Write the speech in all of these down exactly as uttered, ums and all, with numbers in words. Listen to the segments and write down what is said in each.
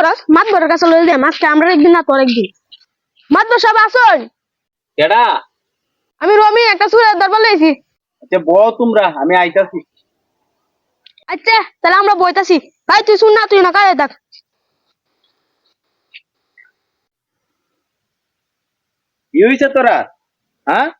করস মাতবরের কাছে লইল দে মাছটা আমরা একদিন না তোর একদিন মাতবর সব আসুন কেডা? আমি রমি একটা সুরের দরবার লইছি। আচ্ছা বউ তোমরা, আমি আইতাছি। আচ্ছা তাহলে আমরা বইতাছি। ভাই তুই শুন না, তুই না কাজে থাক। কি হইছে তোরা? হ্যাঁ,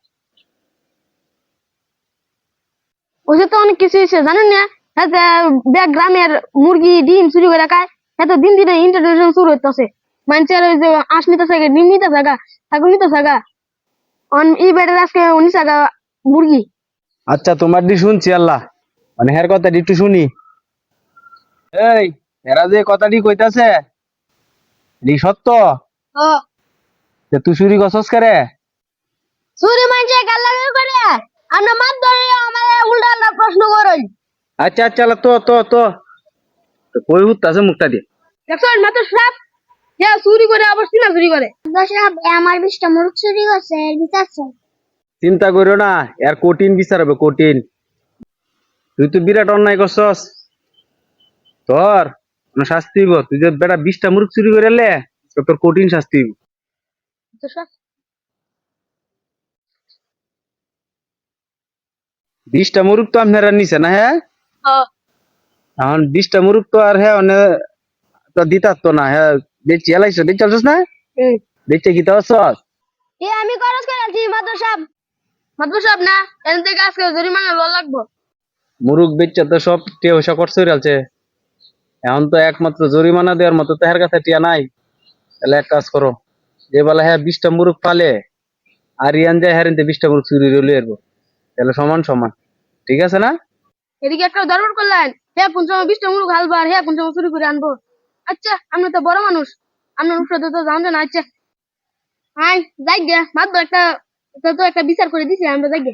ওসে তো অনেক কিছু হয়েছে জানেন না। হ্যাঁ ব্যাগ গ্রামের মুরগি ডিম চুরি করে খায়। হ্যাঁ তো দিন দিনে ইন্টারনেশন শুরু হইতেছে। মানুষের ওই যে আঁশ নিতেছে ডিম নিতেছে গা, ছাগল নিতেছে গা। অন ই বেড়ে আজকে উনিশ টাকা মুরগি। আচ্ছা তোমার দি শুনছি আল্লাহ, মানে হের কথা একটু শুনি। এই এরা যে কথাটি কইতাছে এটি সত্য? ও যে তুই চুরি করছস করে? চুরি মানুষের গাল্লামি করে আমরা মাছ ধরে আমাদের উল্টা উল্টা প্রশ্ন করই। আচ্ছা আচ্ছা আল্লাহ, তো তো তো তো কই হুত্তাছে মুখটা দিয়ে। দেখছেন মাত্র সাপ ইয়া চুরি করে আবার সিনা চুরি করে। দশরাব আমার বিশটা মুরগ চুরি করছে এর বিচার চাই। চিন্তা করিও না, এর কঠিন বিচার হবে, কঠিন। তুই তো বিরাট অন্যায় করছস, তোর কোনো শাস্তি হইব। তুই যে বেটা বিশটা মুরগ চুরি করে এলে, তো তোর কঠিন শাস্তি হইব। বিশটা মুরগ তো আপনারা নিছে না? হ্যাঁ, এখন বিশটা মুরগ তো আর হ্যাঁ মানে তো দিতার তো না। হ্যাঁ বেচি এলাইছো, বেচি চলছস না? বেচে কি তাও সস? এ আমি খরচ করেছি মাত্র সাপ মাত্র সাপ না এন থেকে আজকে জরিমানা ল লাগবো। মুরগ বেচে তো সব টিয়া পয়সা খরচ হয়ে গেছে। এখন তো একমাত্র জরিমানা দেওয়ার মতো তো হের কাছে টিয়া নাই। তাহলে এক কাজ করো, যে বেলা হ্যাঁ বিশটা মুরগ পালে আর ইয়ান যায় হ্যাঁ বিশটা মুরগ চুরি রইলে এরবো, তাহলে সমান সমান। ঠিক আছে না? এদিকে একটা দরবার করলেন হে কোন সময় বিশটা মুরগ হালবার হে কোন সময় চুরি করে আনবো। আচ্ছা আপনি তো বড় মানুষ, আপনার উপরে তো জানতে না। আচ্ছা হাই যাই গে মাত্র একটা তো তো একটা বিচার করে দিছি আমরা যাই গে।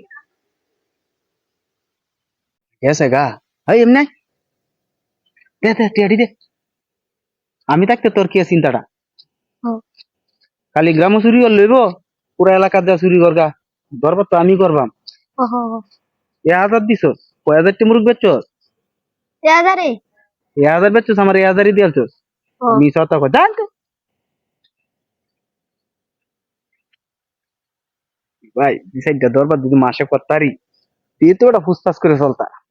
গেছে গা। এই এমনি দে দে টিয়াডি দে। আমি থাকতে তোর কি চিন্তাটা? খালি গ্রামও চুরি কর লইব, পুরা এলাকা দেওয়া চুরি করগা। দরবার তো আমি করবাম। এ হাজার দিছ, কয় হাজারটি মুরগ বেচছস? হাজারে এ হাজার বেচছস, আমার এ হাজারই দিয়ালছস। মিস কথা কয় জান। ভাই বিষয়টা দরবার যদি মাসে করতারি তুই তো ওটা ফুসফাস করে চলতা।